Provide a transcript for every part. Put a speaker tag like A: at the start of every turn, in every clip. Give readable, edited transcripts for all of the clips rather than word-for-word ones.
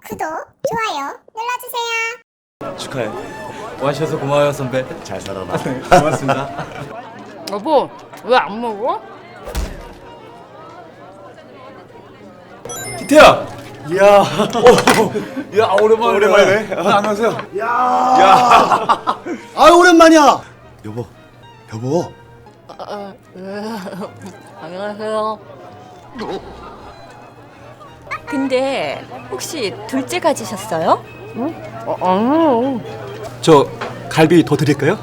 A: 구독, 좋아요 눌러주세요.
B: 축하해. 와주셔서 고마워요 선배.
C: 잘 살아라.
B: 네, 고맙습니다.
D: 여보, 왜 안 먹어?
B: 기태야.
C: 이야.
B: 야 오랜만이네.
C: 오랜만이네.
B: 안녕하세요.
C: 야. 아 오랜만이야. 여보. 여보.
D: 안녕하세요. 근데 혹시 둘째 가지셨어요? 아니요.
C: 저 갈비 더 드릴까요?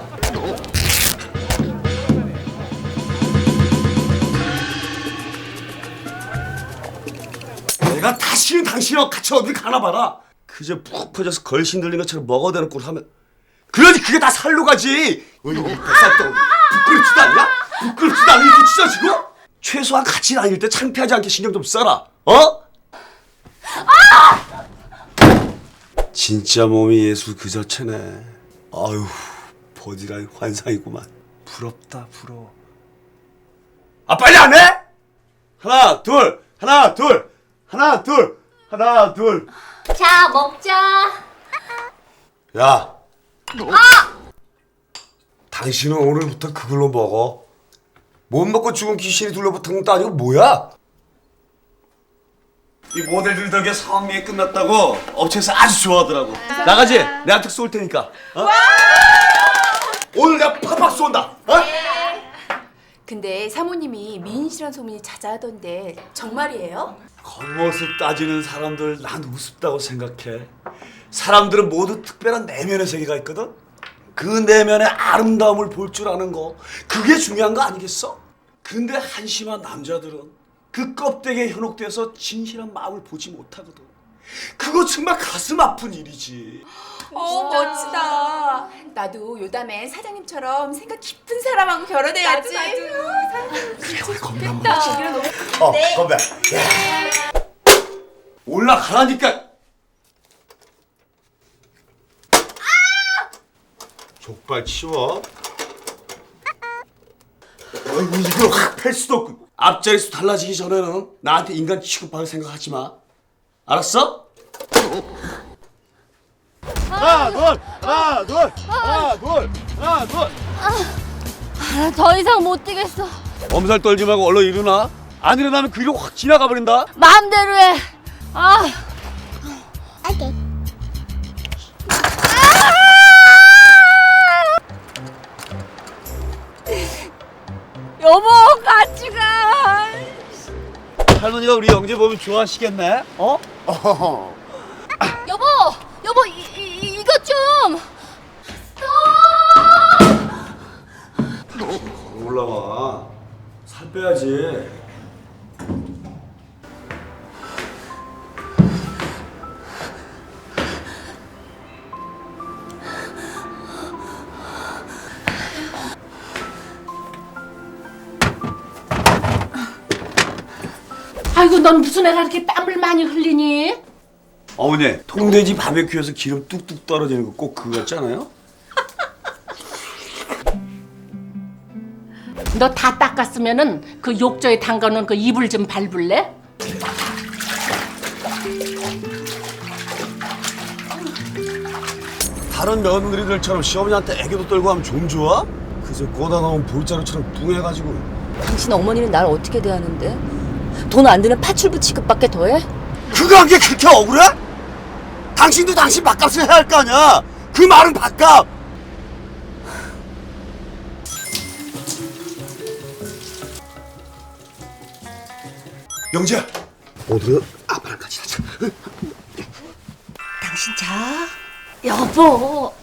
C: 내가 다시는 당신하고 같이 어딜 가나 봐라. 그저 푹 퍼져서 걸신 들린 것처럼 먹어대는 꼴 하면 그러지 그게 다 살로 가지. 뱃살도 부끄럽지도 않냐? 부끄럽지도 않아 이렇게 찢어지고? 최소한 같이 다닐 때 창피하지 않게 신경 좀 써라. 어? 진짜 몸이 예술 그 자체네. 아유 버디랑 환상이구만. 부럽다 부러워. 아 빨리 안 해? 하나 둘 하나 둘 하나 둘 하나 둘.
D: 자, 먹자.
C: 야. 당신은 오늘부터 그걸로 먹어. 못 먹고 죽은 귀신이 둘러붙은 것도 아니고 뭐야? 이 모델들 덕에 성미에 끝났다고 업체에서 아주 좋아하더라고. 나가지? 내가 특 쏠 테니까. 어? 오늘 내가 팍팍 쏜다. 어?
E: 근데 사모님이 미인 씨란 소문이 자자하던데 정말이에요?
C: 겉모습 따지는 사람들 난 우습다고 생각해. 사람들은 모두 특별한 내면의 세계가 있거든. 그 내면의 아름다움을 볼 줄 아는 거 그게 중요한 거 아니겠어? 근데 한심한 남자들은 그 껍데기에 현혹돼서 진실한 마음을 보지 못하거든. 그거 정말 가슴 아픈 일이지.
E: 멋지다. 나도 요담에 사장님처럼 생각 깊은 사람하고 결혼해야지.
C: 그래 우리 건배 한번 하자. 건배. 올라가라니까. 족발 치워. 이걸 확 팰 수도 없고. 앞자리수 달라지기 전에는 나한테 인간 취급할 생각하지 마. 알았어? 하나 둘 하나 둘 하나 둘 하나 둘.
D: 더 이상 못 뛰겠어.
C: 엄살 떨지 말고 얼른 일어나. 안 일어나면 그 일은 확 지나가 버린다.
D: 마음대로 해.
A: 오케이.
D: 여보, 같이 가.
C: 할머니가 우리 영재 보면 좋아하시겠네. 어?
D: 여보, 이것 좀.
C: 올라와. 살 빼야지.
F: 아이고 넌 무슨 애가 이렇게 땀을 많이 흘리니?
C: 어머니, 통돼지 바베큐에서 기름 뚝뚝 떨어지는 거 꼭 그거 같지 않아요?
F: 너 다 닦았으면은 그 욕조에 담가놓은 그 이불 좀 밟을래?
C: 다른 며느리들처럼 시어머니한테 애교도 떨고 하면 좀 좋아? 그저 꼬다 나온 볼자루처럼 뚱해가지고.
D: 당신 어머니는 날 어떻게 대하는데? 돈 안 드는 파출부 취급밖에 더해?
C: 그거 한 게 그렇게 억울해? 당신도 당신 밥값을 해야 할 거 아니야. 그 말은 밥값. 영재야, 오늘은 아빠랑 같이 자자.
D: 당신 자. 여보.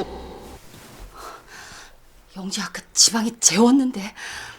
D: 영지 아까 지방에 재웠는데.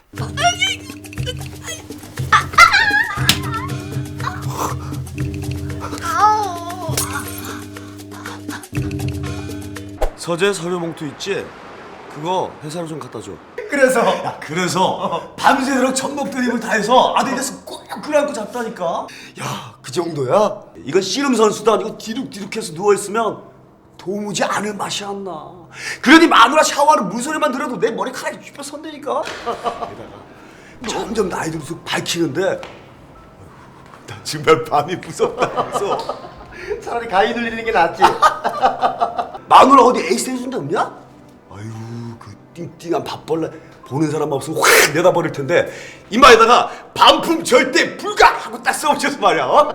C: 서재 서류 봉투 있지? 그거 회사로 좀 갖다 줘. 그래서 밤새도록 전복 드립을 다 해서 아들에서 꼭 끌어안고 잤다니까. 야, 그 정도야? 이건 씨름 선수도 아니고 디룩디룩해서 누워있으면 도무지 아는 맛이 안 나. 그러니 마누라 샤워하는 물소리만 들어도 내 머리카락이 휘뼈 선다니까. 게다가 점점 나이 들수록 밝히는데 나 정말 밤이 무섭다. 무서워.
G: 차라리 가위 눌리는 게 낫지.
C: 마누라 어디 에이스 해준 데 없냐? 아유 그 띵띵한 밥벌레 보는 사람 없으면 확 내다버릴 텐데 이마에다가 반품 절대 불가 하고 딱 써붙여서 말이야. 어?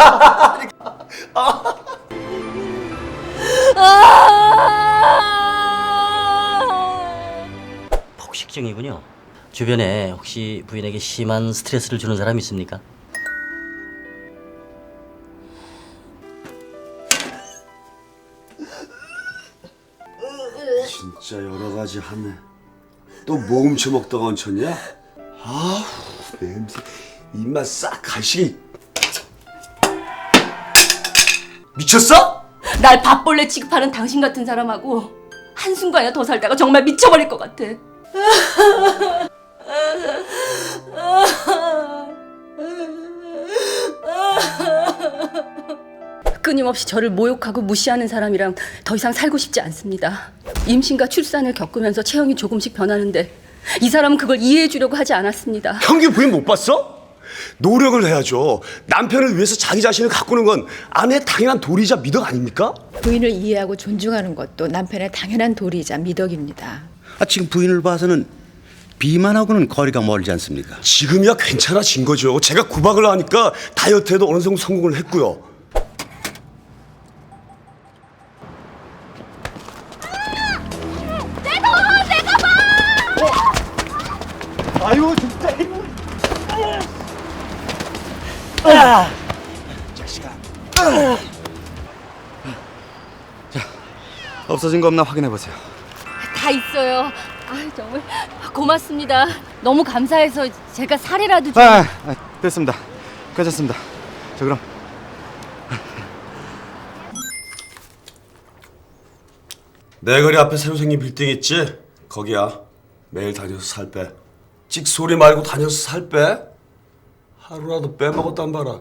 H: 폭식증이군요. 주변에 혹시 부인에게 심한 스트레스를 주는 사람 있습니까?
C: 진짜 여러 가지 하네. 또 뭐 훔쳐 먹다가 얹혔냐? 아우 냄새 입맛 싹 가시게. 미쳤어?
D: 날 밥벌레 취급하는 당신 같은 사람하고 한순간이나 더 살다가 정말 미쳐버릴 것 같아. 끊임없이 저를 모욕하고 무시하는 사람이랑 더 이상 살고 싶지 않습니다. 임신과 출산을 겪으면서 체형이 조금씩 변하는데 이 사람은 그걸 이해해 주려고 하지 않았습니다.
C: 형기 부인 못 봤어? 노력을 해야죠. 남편을 위해서 자기 자신을 가꾸는 건 아내의 당연한 도리이자 미덕 아닙니까?
I: 부인을 이해하고 존중하는 것도 남편의 당연한 도리이자 미덕입니다.
G: 지금 부인을 봐서는 비만하고는 거리가 멀지 않습니까?
C: 지금이야 괜찮아진 거죠. 제가 구박을 하니까 다이어트에도 어느 정도 성공을 했고요.
G: 아유 진짜. 자식아. 자, 없어진 거 없나 확인해 보세요.
D: 다 있어요. 아, 정말 고맙습니다. 너무 감사해서 제가 살이라도 좀...
G: 됐습니다. 괜찮습니다. 자 그럼.
C: 내 거리 앞에 새로 생긴 빌딩 있지? 거기야. 매일 다녀서 살 빼. 찍소리 말고 다녀서 살 빼. 하루라도 빼먹었단 봐라.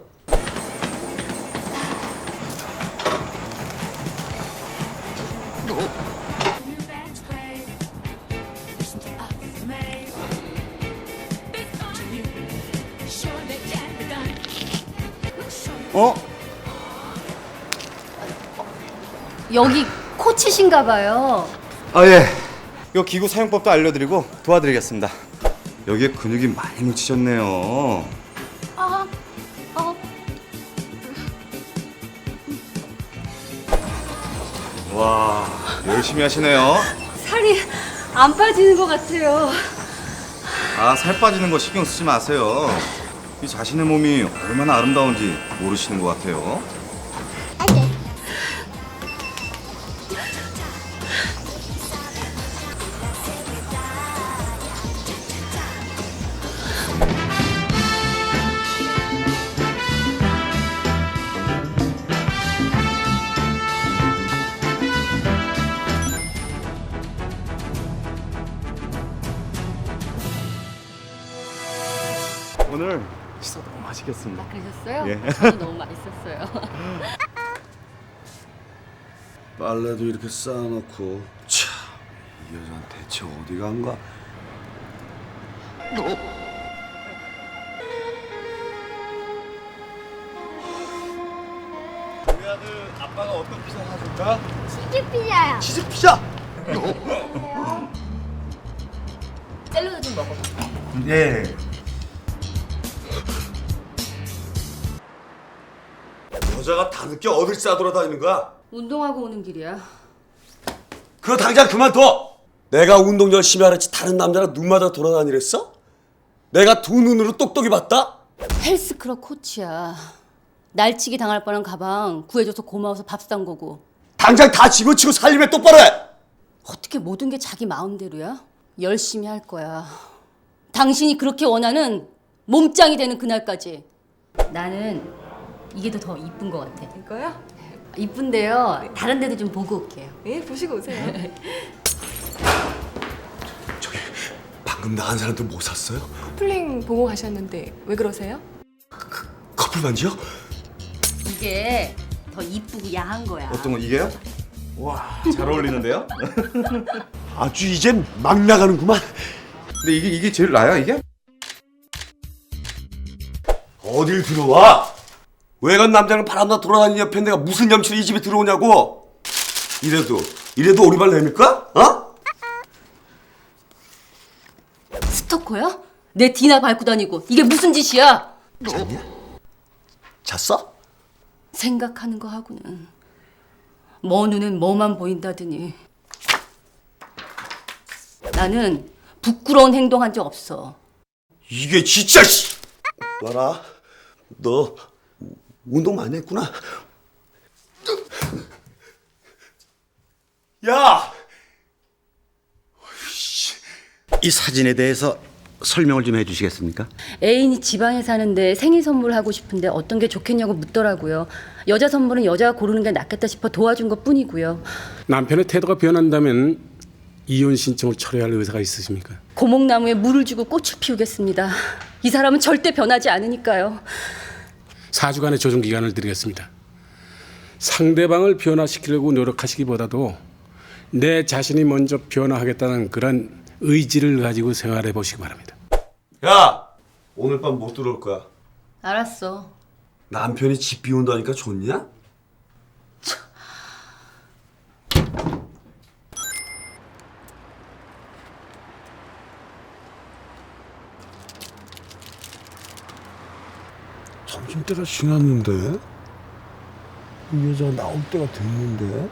D: 여기 코치신가 봐요.
G: 예. 이 기구 사용법도 알려드리고 도와드리겠습니다. 여기에 근육이 많이 묻히셨네요. 와, 열심히 하시네요.
D: 살이 안 빠지는 것 같아요.
G: 살 빠지는 거 신경 쓰지 마세요. 이 자신의 몸이 얼마나 아름다운지 모르시는 것 같아요. 오늘 식사 너무 맛있겠습니다.
D: 그러셨어요?
G: 예.
D: 저도 너무 맛있었어요.
C: 빨래도 이렇게 쌓아놓고 참, 이 여자는 대체 어디 간가?
G: 우리 아들 아빠가 어떤 피자 사줄까?
A: 치즈 피자요.
G: 치즈 피자.
D: 샐러드 좀 먹어봐.
G: 예.
C: 여자가 다 늦게 어딜 싸돌아다니는 거야?
D: 운동하고 오는 길이야.
C: 그거 당장 그만둬! 내가 운동 열심히 하랬지 다른 남자랑 눈 맞아 돌아다니랬어? 내가 두 눈으로 똑똑히 봤다?
D: 헬스클럽 코치야. 날치기 당할 뻔한 가방 구해줘서 고마워서 밥 산 거고.
C: 당장 다 집어치고 살림에 똑바로 해!
D: 어떻게 모든 게 자기 마음대로야? 열심히 할 거야. 당신이 그렇게 원하는 몸짱이 되는 그날까지. 나는 이게 더 이쁜 것 같아.
E: 이거요?
D: 이쁜데요. 다른 데도 좀 보고 올게요.
E: 예, 보시고 오세요.
C: 저기 방금 나간 사람들 뭐 샀어요?
E: 커플링 보고 가셨는데 왜 그러세요?
C: 커플 반지요?
D: 이게 더 이쁘고 야한 거야.
G: 어떤 거 이게요? 와, 잘 어울리는데요?
C: 아주 이젠 막 나가는구만.
G: 근데 이게 제일 나아요, 이게?
C: 어딜 들어와? 외간 남자는 바람나 돌아다니는 옆에 내가 무슨 염치로 이 집에 들어오냐고. 이래도 오리발 내밀까? 어?
D: 스토커야? 내 뒤나 밟고 다니고 이게 무슨 짓이야?
C: 잤냐? 잤어?
D: 생각하는 거 하고는 뭐 눈엔 뭐만 보인다더니. 나는 부끄러운 행동한 적 없어.
C: 이게 진짜 씨. 봐라, 너 운동 많이 했구나. 야!
J: 이 사진에 대해서 설명을 좀 해주시겠습니까?
D: 애인이 지방에 사는데 생일 선물하고 싶은데 어떤 게 좋겠냐고 묻더라고요. 여자 선물은 여자가 고르는 게 낫겠다 싶어 도와준 것 뿐이고요.
K: 남편의 태도가 변한다면 이혼 신청을 철회할 의사가 있으십니까?
D: 고목나무에 물을 주고 꽃을 피우겠습니다. 이 사람은 절대 변하지 않으니까요.
K: 4주간의 조정 기간을 드리겠습니다. 상대방을 변화시키려고 노력하시기보다도 내 자신이 먼저 변화하겠다는 그런 의지를 가지고 생활해 보시기 바랍니다.
C: 야! 오늘 밤 못 들어올 거야.
D: 알았어.
C: 남편이 집 비운다니까 좋냐? 점심때가 지났는데? 이 여자가 나올 때가 됐는데?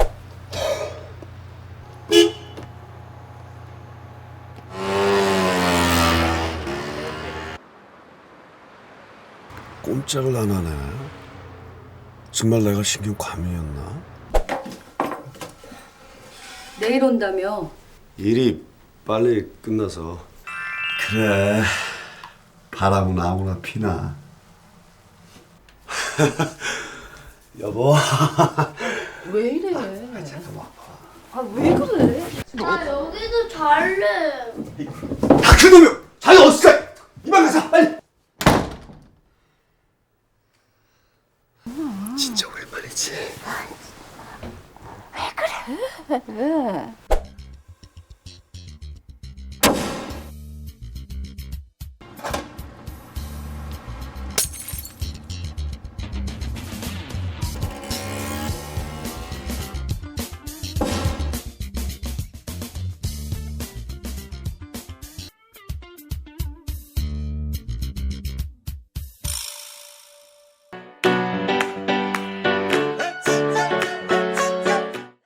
C: 꼼짝을 안 하네. 정말 내가 신경 과민이었나?
D: 내일 온다며.
C: 일이 빨리 끝나서. 그래, 바람은 아무나 피나. 여보.
D: 왜 이래?
C: 잠깐만.
D: 왜 그래?
A: 나 여기도 잘래.
C: 다 그놈이 자기 어디서 가? 이만 가자 빨리. 진짜 오랜만이지.
A: 왜 그래?